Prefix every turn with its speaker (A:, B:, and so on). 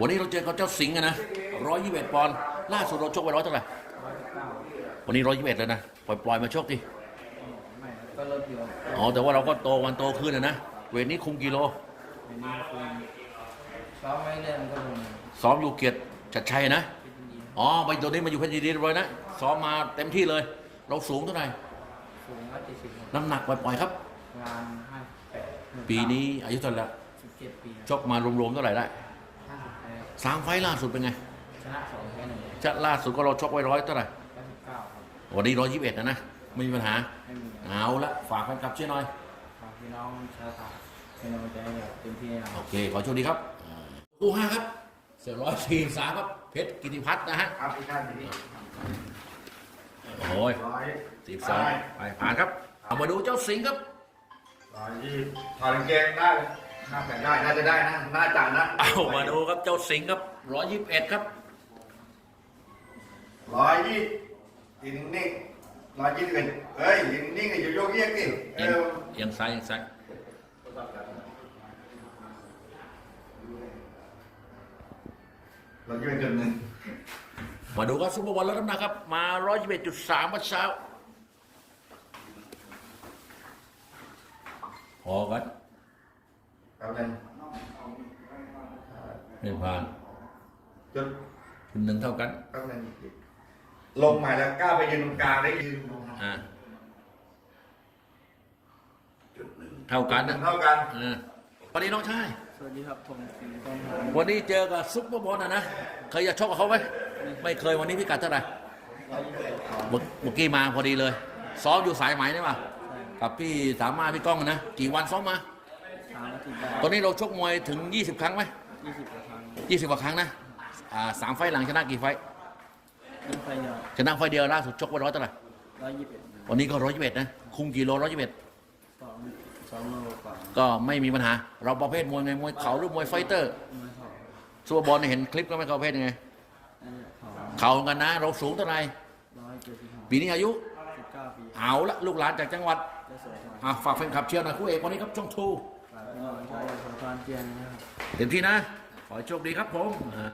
A: วันนี้เราเจอกับเจ้าสิงห์นะ121 ปอนด์ล่าสุดเราชกไป100เท่าไหร่วันนี้121เลยนะปล่อยมาชกดิ
B: ไม่ก็ลดอยู่
A: อ๋อแต่ว่าเราก็โตวันโตขึ้นนะเวทนี้คุมกิโล
B: วันนี้คือซ้อมไม่เล่นก็ลง
A: ซ้อมอยู่เกียรติจัดชัยนะ
B: พิจิตร
A: อ๋อไปตัวนี้มาอยู่เพชรยินดีเรียบร้อยนะซ้อมมาเต็มที่เลย เราสูงเท่าไหร่
B: สูง170
A: น้ำหนักปล่อยๆครับ
B: งาน58
A: ปีนี้อายุเท่าไหร่แล้ว
B: 17 ปี
A: ชกมารวมๆเท่าไหร่ได้
B: 50แพ้
A: 3 ไฟล์ล่าสุดเป็นไง
B: ชนะ2แพ้1
A: จะล่าสุดก็เราชกไว้100เท่าไหร่
B: 99ครับ
A: วันนี้121นะไม่มีปัญหา
B: ไม่มี
A: เอาละฝากแฟนคลับช่วยหน่อย
B: ฝากพี่น้องชาวไทยเป็นกำลังใจให้เต็มที่นะค
A: โอ
B: รับ
A: เคขอโชคดีครับคู่5ครับเสือ143ครับเพชรกิติพัฒน์นะฮะ
C: ครับพี่ท่านนี่
A: โอ้ย
C: 100
A: ไปผ่านครับเอามาดูเจ้าสิงห์ครับ
C: ถอดกางเกงได้น่าจะได้น่าจะได้นะน่าจะนะ
A: เอามาดูครับเจ้าสิงห์ครับ121ครับ
C: 120ยืนนิ่ง121เฮ้ยยืนนิ่งอย่าโยกเยกดิ
A: เอียงซ้าย
C: 121.1
A: มาดูครับซุปเปอร์บอลลดน้ำหนักครับมา121.3วัดเช้าพอกัน
C: ครับเลย
A: ไม่ผ่าน
C: จุด
A: คุณหนึ่งเท่ากัน
C: ครับเลยลงใหม่แล้วกล้าไปยืนตรงกลางได้ยืน
A: อ่าเท่ากันนะ
C: เท่ากัน
A: ปนี้น้องชาย
B: สวัสดีครับผมสิงห์กองทัพ
A: วันนี้เจอกับซุปเปอร์บอลนะเคยจะชกกับเขาไหมไม่เคยวันนี้พิกัดเท่าไหร่
B: 121ครับ
A: เมื่อกี้มาพอดีเลยซ้อมอยู่สายไหมนี่ป่ะ
B: ใช่
A: กับพี่สามารถพี่ก้องนะกี่วันซ้อมมา
B: 3นาทีได้
A: ตอนนี้เราชกมวยถึง20 ครั้งไหม
B: 20กว่าครั้ง
A: 20 กว่าครั้งนะ3 ไฟล์หลังชนะกี่ไฟล์
B: ยิ่งไปเดียว
A: ชนะไฟล์เดียวล่าสุดชกไป100เท่าไหร่
B: 121
A: วันนี้ก็121นะคุมกี่โล121
B: 2โลกว่า
A: ก็ไม่มีปัญหา เราประเภทมวยไงมวยเข่าหรือมวยไฟเตอร์
B: ไม่พอ
A: ซัวบอลเนี่ยเห็นคลิปก็ไม่เข้าประเภทยังไง
B: อันนี้พอ
A: เข่าเหมือนกันนะ เราสูงเท่าไหร่
B: 175
A: ปีนี้อายุ
B: 19 ปี
A: เอาละลูกหลานจากจังหวัด
B: จะสวยกว่า
A: ฝากแฟนคลับเชียร์หน่อยคู่เอกวันนี้ครับช่องทู
B: ฝากพี่น้องชาวสงขลาเจียนนะครับ
A: เต็มที่นะ ขอให้โชคดีครับผม